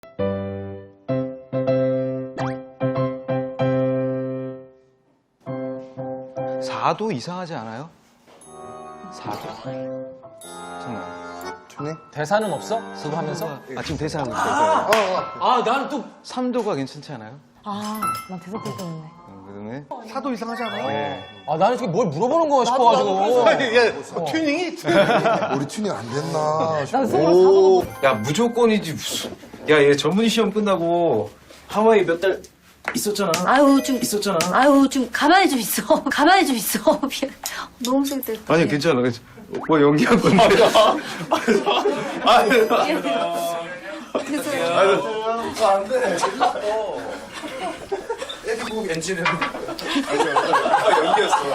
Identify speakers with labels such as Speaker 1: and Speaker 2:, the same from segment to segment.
Speaker 1: 사도 이상하지 않아요? 사도? 정말.
Speaker 2: 튜닝?
Speaker 3: 대사는 없어? 그거 하면서?
Speaker 1: 아, 지금 대사하고 있어요.
Speaker 3: 아, 나는 또.
Speaker 1: 3도가 괜찮지 않아요?
Speaker 4: 난 대사 필요했네.
Speaker 1: 그다음에
Speaker 2: 사도 이상하지 않아?
Speaker 1: 네.
Speaker 3: 아, 나는 지금 뭘 물어보는 거야 싶어가지고.
Speaker 2: 튜닝이? 우리 튜닝 안 됐나?
Speaker 4: 난 속으로
Speaker 5: 야, 무조건이지, 무슨. 야, 얘 전문 시험 끝나고 하와이 몇 달 있었잖아.
Speaker 6: 아유, 좀 가만히 좀 있어. 가만히 좀 있어. 미안. 너무 쓸데없어.
Speaker 5: 아니, 괜찮아. 뭐 연기한 건데.
Speaker 2: 안 돼. 애기국 엔진은. 연기였어.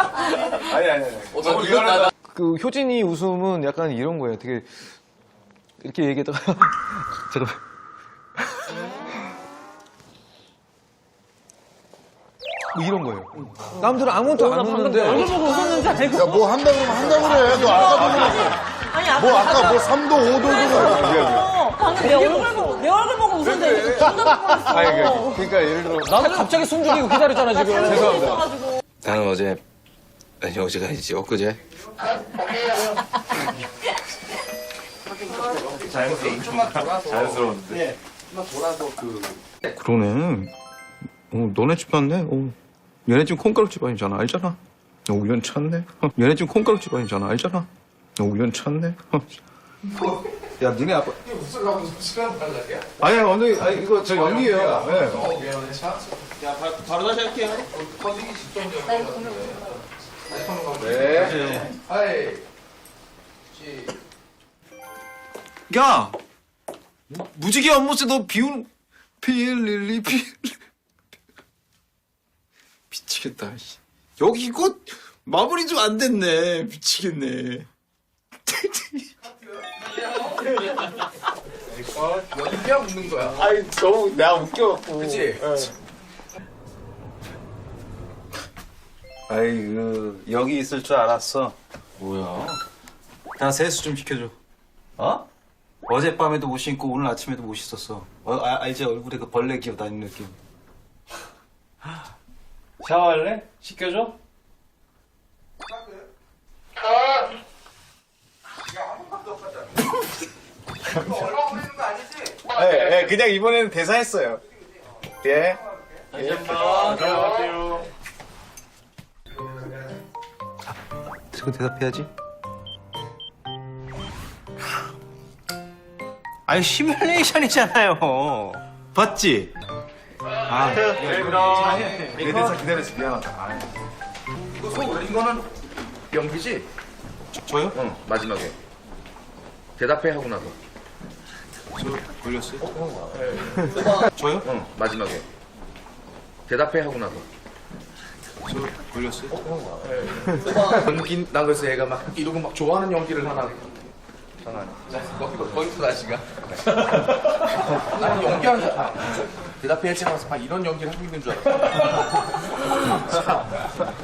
Speaker 2: 아니.
Speaker 1: 그 효진이 웃음은 약간 이런 거예요. 되게 이렇게 얘기하다가 잠깐만. 뭐 이런 거예요. 남들은 아무것도 안 웃는데
Speaker 4: 얼굴 보고 웃었는지 알고.
Speaker 2: 야, 뭐 한다 그러면 한다 그래. 너 아까 보고. 뭐 아까 뭐 3도, 5도
Speaker 4: 방금 내 얼굴 보고 웃었는데 이거 쳐다보고
Speaker 1: 아니,
Speaker 4: 있어.
Speaker 1: 그러니까 예를 들어
Speaker 3: 나도 갑자기 숨 죽이고 기다렸잖아, 지금.
Speaker 1: 죄송합니다.
Speaker 5: 나는 어제, 아니, 어제가 아니지, 엊그제. 자연스러운데. 그러네. 너네 집 봤네. 얘네 집 콩가루 집안이잖아. 알잖아. 우연 찾네. 얘네 집 콩가루 집안이잖아. 알잖아. 우연 찾네. 야, 니네 아빠. 이게 무슨 시간 달라야? 아니, 오늘, 아니, 이거 저 연기예요. 네.
Speaker 3: 바로 다시 할게요.
Speaker 5: 야! 무지개 연못에 너 비운, 필릴리, 미치겠다, 씨. 여기 이거 마무리 좀 안 됐네. 미치겠네.
Speaker 2: 연기야 웃는 거야.
Speaker 5: 아니, 너무 내가 웃겨갖고.
Speaker 2: 그치?
Speaker 5: 아이, 여기 있을 줄 알았어. 뭐야? 나 세수 좀 시켜줘. 어? 어젯밤에도 못 씻고 오늘 아침에도 못 씻었어. 알지? 얼굴에 그 벌레 기어다니는 느낌.
Speaker 3: 샤워할래? 시켜줘?
Speaker 5: 예, 그냥 이번에는 대사했어요. 예.
Speaker 3: 다시 한 번. 들어갈게요.
Speaker 1: 지금 대답해야지.
Speaker 5: 아니, 시뮬레이션이잖아요. 봤지?
Speaker 2: 내 대사 기다려서 미안하다. 이거는 연기지?
Speaker 5: 저요?
Speaker 2: 응, 마지막에. 대답해 하고 나서.
Speaker 5: 걸렸어요? 저요?
Speaker 2: 응, 마지막에. 대답해 하고 나서.
Speaker 5: 걸렸어요?
Speaker 2: 연기, 난 그래서 얘가 막 이런 거 막 좋아하는 연기를 하나. 거기서 다시가. 아니, 연기하는 사람. 대답해 하지 마서 막 이런 연기를 하고 있는 줄 알았어.